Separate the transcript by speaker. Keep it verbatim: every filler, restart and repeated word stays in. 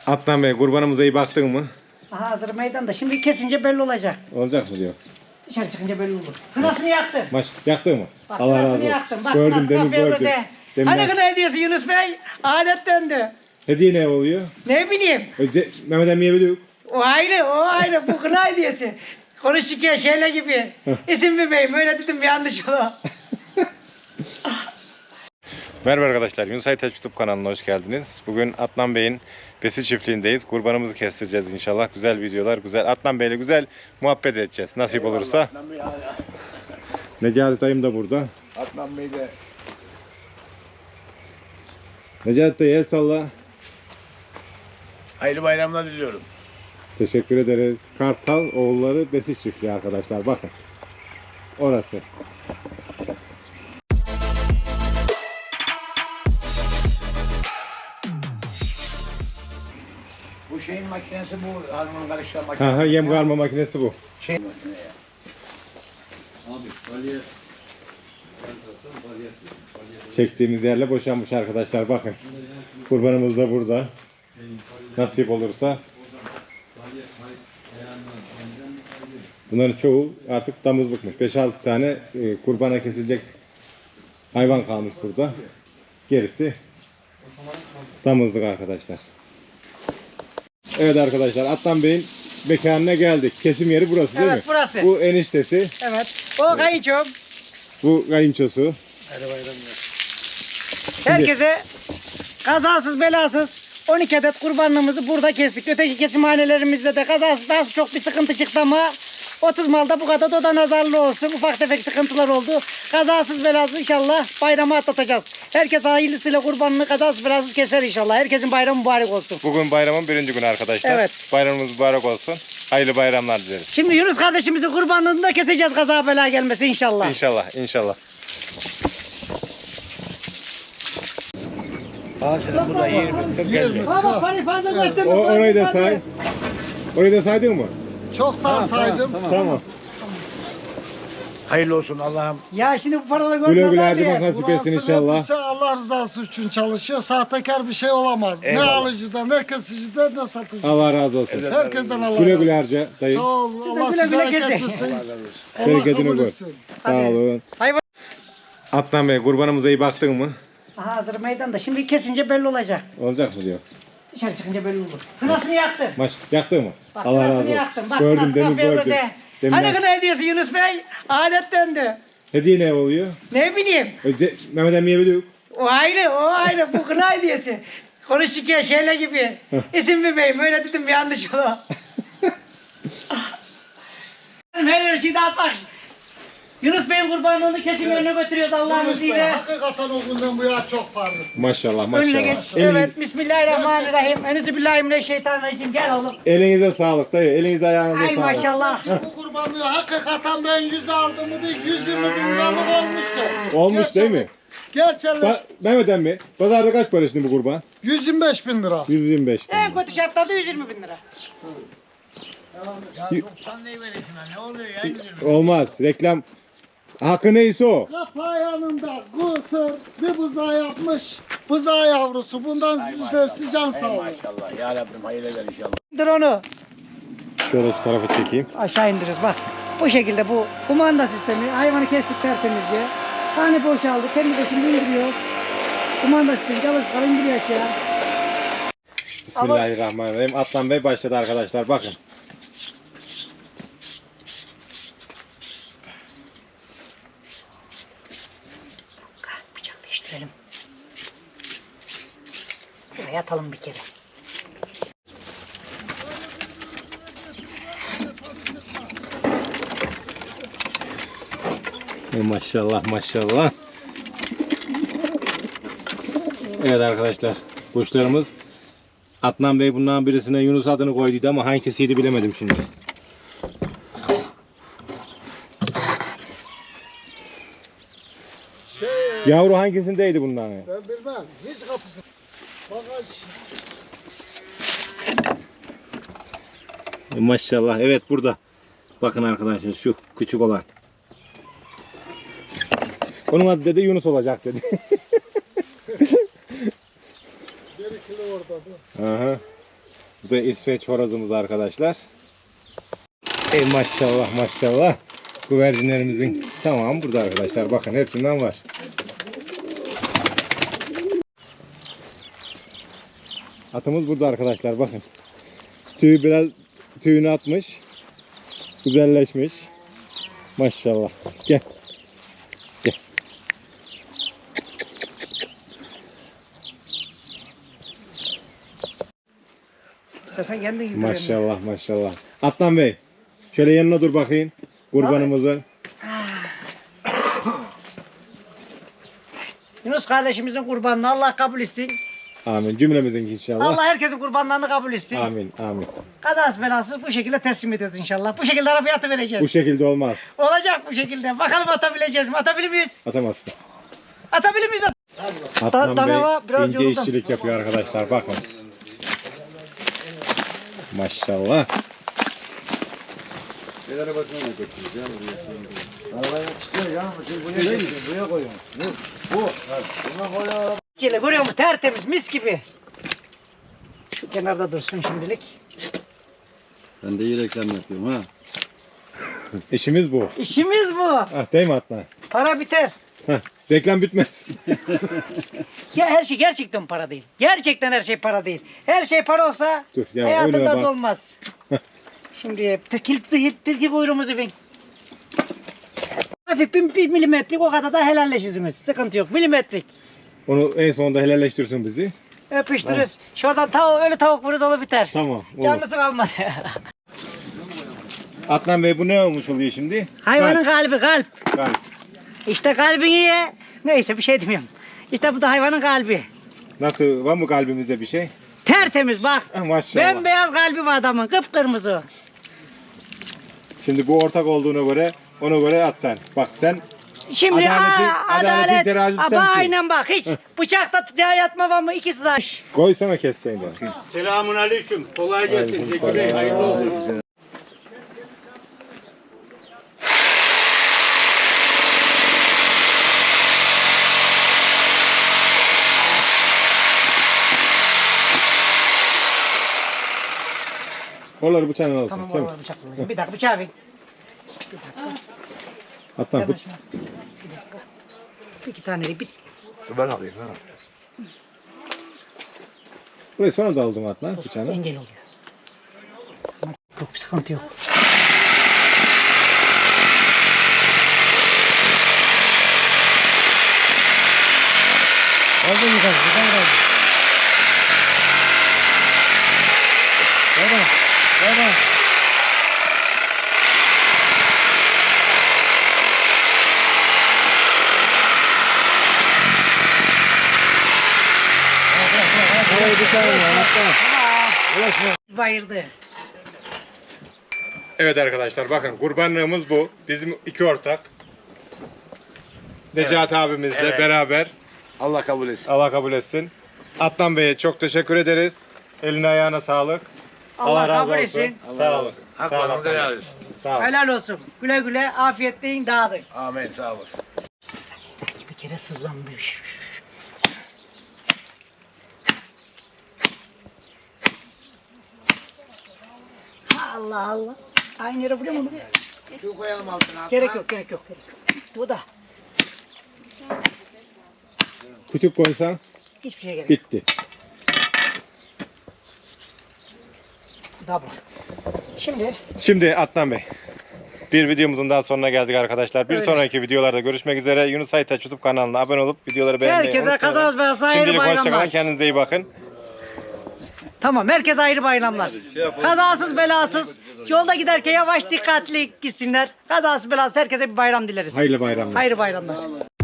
Speaker 1: Adnan Bey, kurbanımıza iyi baktın mı?
Speaker 2: Aha hazır meydanda. Şimdi kesince belli olacak.
Speaker 1: Olacak mı diyor.
Speaker 2: Dışarı çıkınca belli olur. Kınasını yaktım.
Speaker 1: Maş, yaktın mı?
Speaker 2: Bak,
Speaker 1: Allah razı
Speaker 2: kınasını
Speaker 1: olsun.
Speaker 2: yaktım. Bak,
Speaker 1: Gördüm
Speaker 2: kınası
Speaker 1: demin
Speaker 2: kapıya
Speaker 1: gördüm.
Speaker 2: koyacak.
Speaker 1: Demin
Speaker 2: Hani
Speaker 1: ben-
Speaker 2: kına hediyesi Yunus Bey? Adet döndü.
Speaker 1: Hediye ne oluyor?
Speaker 2: Ne bileyim.
Speaker 1: Önce Mehmet Emmi'ye biliyor.
Speaker 2: O ayrı, o ayrı. Bu kına hediyesi. Konuşurken şeyle gibi. İsim bilmeyeyim. Öyle dedim yanlış olur.
Speaker 1: Merhaba arkadaşlar, Yunus Aytaç YouTube kanalına hoş geldiniz. Bugün Adnan Bey'in besi çiftliğindeyiz. Kurbanımızı kestireceğiz inşallah. Güzel videolar, güzel. Adnan Bey'le güzel muhabbet edeceğiz. Nasip
Speaker 3: Eyvallah,
Speaker 1: olursa.
Speaker 3: Adnan Bey hala.
Speaker 1: Necati dayım da burada.
Speaker 3: Adnan Bey de
Speaker 1: Necati dayı el salla.
Speaker 3: hayırlı bayramlar diliyorum.
Speaker 1: Teşekkür ederiz. Kartal oğulları besi çiftliği arkadaşlar. Bakın. Orası.
Speaker 3: Bu şeyin makinesi bu harman karıştıran makine.
Speaker 1: Ha, ha, yem karma makinesi bu.
Speaker 3: Şey makine ya.
Speaker 1: Çektiğimiz yerle boşanmış arkadaşlar. Bakın. Kurbanımız da burada. Nasip olursa. Bunların çoğu artık damızlıkmış. beş altı tane e, kurbana kesilecek hayvan kalmış burada. Gerisi damızlık arkadaşlar. Evet arkadaşlar, Adnan Bey'in mekanına geldik. Kesim yeri burası değil
Speaker 2: Evet,
Speaker 1: mi?
Speaker 2: burası.
Speaker 1: Bu eniştesi,
Speaker 2: Evet. O kayınçom.
Speaker 1: bu kayınçosu.
Speaker 2: Herkese kazasız belasız on iki adet kurbanlığımızı burada kestik. Öteki kesimhanelerimizde de kazasız belasız çok bir sıkıntı çıktı ama otuz malda bu kadar da, da nazarlı olsun. Ufak tefek sıkıntılar oldu. Kazasız belasız inşallah bayramı atlatacağız. Herkes hayırlısıyla kurbanını kazasız belasız keser inşallah. Herkesin bayramı mübarek olsun.
Speaker 1: Bugün bayramın birinci günü arkadaşlar.
Speaker 2: Evet.
Speaker 1: Bayramımız mübarek olsun. Hayırlı bayramlar dileriz.
Speaker 2: Şimdi Yunus kardeşimizin kurbanlığını da keseceğiz kaza bela gelmesi inşallah.
Speaker 1: İnşallah, inşallah.
Speaker 3: Aa senin burada yirmi kırk elli.
Speaker 2: Baba parayı fazla gösterme.
Speaker 1: O, orayı da say. Orayı da saydın mı?
Speaker 4: Çoktan saydım.
Speaker 1: Tamam.
Speaker 3: Hayırlı olsun Allah'ım.
Speaker 2: Ya şimdi bu paraları
Speaker 1: Güle
Speaker 2: görmeden
Speaker 1: güle
Speaker 2: diye.
Speaker 1: harcamak nasip etsin
Speaker 4: Burası
Speaker 1: inşallah.
Speaker 4: hepsi Allah rızası için çalışıyor. Sahtekar bir şey olamaz.
Speaker 3: Eyvallah.
Speaker 4: Ne alıcıda, ne kesicide, ne satıcıda.
Speaker 1: Allah razı olsun.
Speaker 4: Herkesten Allah
Speaker 1: Güle
Speaker 4: razı
Speaker 1: güle
Speaker 4: olsun.
Speaker 1: harca dayı.
Speaker 4: Sağ ol. Allah
Speaker 2: güle
Speaker 4: sizi
Speaker 2: güle
Speaker 4: bereket
Speaker 2: kesin.
Speaker 4: versin.
Speaker 3: Allah razı olsun.
Speaker 4: Allah
Speaker 1: Bereketini
Speaker 4: kabul
Speaker 1: gör.
Speaker 4: etsin.
Speaker 1: Sağ olun.
Speaker 2: Hayvan.
Speaker 1: Adnan Bey, kurbanımıza iyi baktın mı?
Speaker 2: Aha hazır meydanda. Şimdi kesince belli olacak.
Speaker 1: Olacak mı diyor.
Speaker 2: Dışarı çıkınca belli olur. Kınasını yaktım.
Speaker 1: Maş, yaktın mı?
Speaker 2: Bak,
Speaker 1: Allah razı
Speaker 2: kınasını
Speaker 1: olsun.
Speaker 2: yaktım. Bak,
Speaker 1: Gördüm
Speaker 2: kınası
Speaker 1: demin
Speaker 2: kapıya
Speaker 1: gördüm.
Speaker 2: koyacak.
Speaker 1: Demin
Speaker 2: Hani
Speaker 1: ben-
Speaker 2: kına hediyesi Yunus Bey? Adet döndü.
Speaker 1: Hediye ne oluyor?
Speaker 2: Ne bileyim.
Speaker 1: Önce Mehmet Emmi'ye biliyor.
Speaker 2: O ayrı, o ayrı. Bu kına hediyesi. Konuşurken şeyle gibi. İsim bilmeyeyim. Öyle dedim yanlış olur. Her şeyi dağıtmak. Yunus Bey'in kurbanlığını kesim yerine götürüyoruz Allah'ın
Speaker 4: Yunus Bey,
Speaker 2: izniyle.
Speaker 4: hakikaten o günden bu yana çok parlak.
Speaker 1: Maşallah maşallah.
Speaker 2: Önüne geç.
Speaker 1: Elin-
Speaker 2: Evet. Bismillahirrahmanirrahim. Euzubillahimineşşeytanirracim. Gel oğlum.
Speaker 1: Elinize sağlık dayı. Elinize ayağınıza
Speaker 2: Ay
Speaker 1: sağlık.
Speaker 2: maşallah.
Speaker 4: Bu kurbanlığı hakikaten ben yüz aldığımı değil, yüz yirmi bin liralık olmuştu.
Speaker 1: Olmuş değil mi?
Speaker 4: Gerçekten
Speaker 1: Ba Mehmet Emmi, pazarda kaç para şimdi bu kurban?
Speaker 4: yüz yirmi beş bin lira.
Speaker 1: yüz yirmi beş bin.
Speaker 2: En kötü şartlarda yüz yirmi bin lira.
Speaker 3: Ya doksan neyi verirsin ha? Ne oluyor ya? yüz yirmi?
Speaker 1: Olmaz. Reklam hakkı neyse o.
Speaker 4: Kapağı yanında kısır bir buzağı yapmış. Buzağı yavrusu. Bundan yüzde can
Speaker 3: Ey
Speaker 4: sağlığı.
Speaker 3: maşallah. Ya Rabbim hayırlı ver inşallah.
Speaker 2: İndir onu.
Speaker 1: Şöyle şu tarafa çekeyim.
Speaker 2: Aşağı indiririz bak. Bu şekilde bu kumanda sistemi. Hayvanı kestik tertemizce. Tane boşaldı. Kendi de şimdi indiriyoruz. Kumanda sistemi çalıştıklar indiriyor aşağı.
Speaker 1: Bismillahirrahmanirrahim. Adnan Bey başladı arkadaşlar. Bakın.
Speaker 2: Bıçak değiştirelim. Buraya atalım bir kere.
Speaker 1: Ey maşallah maşallah. Evet arkadaşlar. Kuşlarımız Adnan Bey bundan birisine Yunus adını koyduydu ama hangisiydi bilemedim şimdi.
Speaker 4: Şey,
Speaker 1: Yavru hangisindeydi bundan?
Speaker 4: ben bilmem. Hiç kapısı. Bagaj.
Speaker 1: E, maşallah. Evet burada. Bakın arkadaşlar şu küçük olan. Onun adı dedi Yunus olacak dedi.
Speaker 4: Bir kilo orada. Bu.
Speaker 1: Aha. Bu da İsveç horozumuz arkadaşlar. Ey maşallah maşallah. Güvercinlerimizin tamamı burada arkadaşlar. Bakın hepsinden var. Atımız burada arkadaşlar bakın. Tüyü biraz tüyünü atmış. Güzelleşmiş. Maşallah. Gel. Gel.
Speaker 2: İstersen kendin git.
Speaker 1: Maşallah maşallah. Atlan Bey. Şöyle yanına dur bakayım. Kurbanımızın.
Speaker 2: Yunus kardeşimizin kurbanını Allah kabul etsin.
Speaker 1: Amin. Cümlemizin inşallah.
Speaker 2: Allah herkesin kurbanlarını kabul etsin.
Speaker 1: Amin. Amin.
Speaker 2: Kazasız belasız bu şekilde teslim ediyoruz inşallah. Bu şekilde arabaya atıvereceğiz.
Speaker 1: Bu şekilde olmaz.
Speaker 2: Olacak bu şekilde. Bakalım atabileceğiz mi? Atabilir miyiz?
Speaker 1: Atamazsın.
Speaker 2: Atabilir miyiz?
Speaker 1: Atlan
Speaker 2: Danava
Speaker 1: Bey
Speaker 2: biraz
Speaker 1: ince
Speaker 2: yoruldum.
Speaker 1: işçilik yapıyor arkadaşlar. Bakın. Maşallah.
Speaker 3: Nelere bakmaya götürüyoruz ya buraya. Arabaya çıkıyor ya. Siz buraya getirin. Buraya koyun. Bu. Bu. Buna koyun araba.
Speaker 2: Çile görüyor musun? Tertemiz mis gibi. Şu kenarda dursun şimdilik.
Speaker 3: Ben de iyi reklam yapıyorum ha.
Speaker 1: İşimiz bu.
Speaker 2: İşimiz bu.
Speaker 1: Ah, değil mi Atlan?
Speaker 2: Para biter.
Speaker 1: Heh, reklam bitmez.
Speaker 2: Ya her şey gerçekten para değil. Gerçekten her şey para değil. Her şey para olsa
Speaker 1: Dur, ya
Speaker 2: hayatında
Speaker 1: önüme
Speaker 2: da
Speaker 1: bak.
Speaker 2: olmaz. Şimdi tilki, tilki kuyruğumuzu bin. Hafif bir, bir milimetrik o kadar da helalleşirsiniz. Sıkıntı yok. Milimetrik.
Speaker 1: Onu en sonunda helalleştirsin bizi.
Speaker 2: Öpüştürürüz. Şuradan tavuk, öyle tavuk vururuz olur biter.
Speaker 1: Tamam. Olur.
Speaker 2: Canlısı kalmadı.
Speaker 1: Atlan Bey bu ne olmuş oluyor şimdi?
Speaker 2: Hayvanın kalbi kalp.
Speaker 1: Kalp. Kalp.
Speaker 2: İşte kalbini ye. Neyse bir şey demiyorum. İşte bu da hayvanın kalbi.
Speaker 1: Nasıl? Var mı kalbimizde bir şey?
Speaker 2: Tertemiz bak.
Speaker 1: Ah, maşallah.
Speaker 2: Bembeyaz kalbi var adamın. Kıpkırmızı.
Speaker 1: Şimdi bu ortak olduğuna göre ona göre at sen. Bak sen
Speaker 2: Şimdi
Speaker 1: Adaleti-
Speaker 2: aa,
Speaker 1: adaletin
Speaker 2: adalet.
Speaker 1: terazisi
Speaker 2: Aba
Speaker 1: sensin.
Speaker 2: aynen bak hiç bıçakta yatma var mı ikisi de.
Speaker 1: koysana kesseydin.
Speaker 5: Selamun aleyküm. Kolay gelsin.
Speaker 1: Aleyküm
Speaker 5: Zeki Bey,
Speaker 1: selam.
Speaker 5: hayırlı olsun.
Speaker 1: Oraları bıçağına alsın.
Speaker 2: Tamam
Speaker 1: Tamam,
Speaker 2: oraları bıçakla. Bir dakika bıçağı ver.
Speaker 1: Atlan
Speaker 2: Hemen
Speaker 1: tut.
Speaker 2: şuna. Bir dakika. İki tane bir.
Speaker 3: Ben alayım ha.
Speaker 1: Burayı sonra da aldım Atlan bıçağını.
Speaker 2: Engel oluyor. Yok bir sıkıntı yok. Oldu mu kız? Güzel oldu. Baba, baba. Bayırdı.
Speaker 1: Evet arkadaşlar bakın kurbanlığımız bu. Bizim iki ortak. Necati abimizle
Speaker 5: Evet.
Speaker 1: beraber.
Speaker 5: Allah kabul etsin.
Speaker 1: Allah kabul etsin. Atlan Bey'e çok teşekkür ederiz. Eline ayağına sağlık.
Speaker 2: Allah
Speaker 1: razı
Speaker 2: kabul
Speaker 1: olsun.
Speaker 2: etsin.
Speaker 1: Sağ olun. Sağ olun.
Speaker 5: Haklarınızı helal olsun.
Speaker 1: Sağ olun.
Speaker 2: Helal olsun. Güle güle afiyetle yiyin dağıdın.
Speaker 5: Amin. Sağ olasın.
Speaker 2: Bir kere sızlanmış. Allah Allah. Aynı yere vuruyor mu?
Speaker 3: Şu koyalım altına.
Speaker 2: Gerek yok, gerek yok, gerek yok. Bu da
Speaker 1: Kütük koysan
Speaker 2: hiçbir şey gerek yok.
Speaker 1: bitti.
Speaker 2: Bu da bu. Şimdi
Speaker 1: Şimdi Atlan Bey. Bir videomuzun daha sonuna geldik arkadaşlar. Bir
Speaker 2: Öyle.
Speaker 1: sonraki videolarda görüşmek üzere. Yunus Aytaç YouTube kanalına abone olup videoları beğenmeyi
Speaker 2: herkese
Speaker 1: unutmayın.
Speaker 2: kazanız belasız hayırlı
Speaker 1: Şimdilik hoşçakalın.
Speaker 2: bayramlar.
Speaker 1: Kendinize iyi bakın.
Speaker 2: Tamam, herkese ayrı bayramlar. Kazasız belasız. Yolda giderken yavaş dikkatli gitsinler. Kazasız belasız herkese bir bayram dileriz.
Speaker 1: Hayırlı bayramlar.
Speaker 2: Hayırlı bayramlar.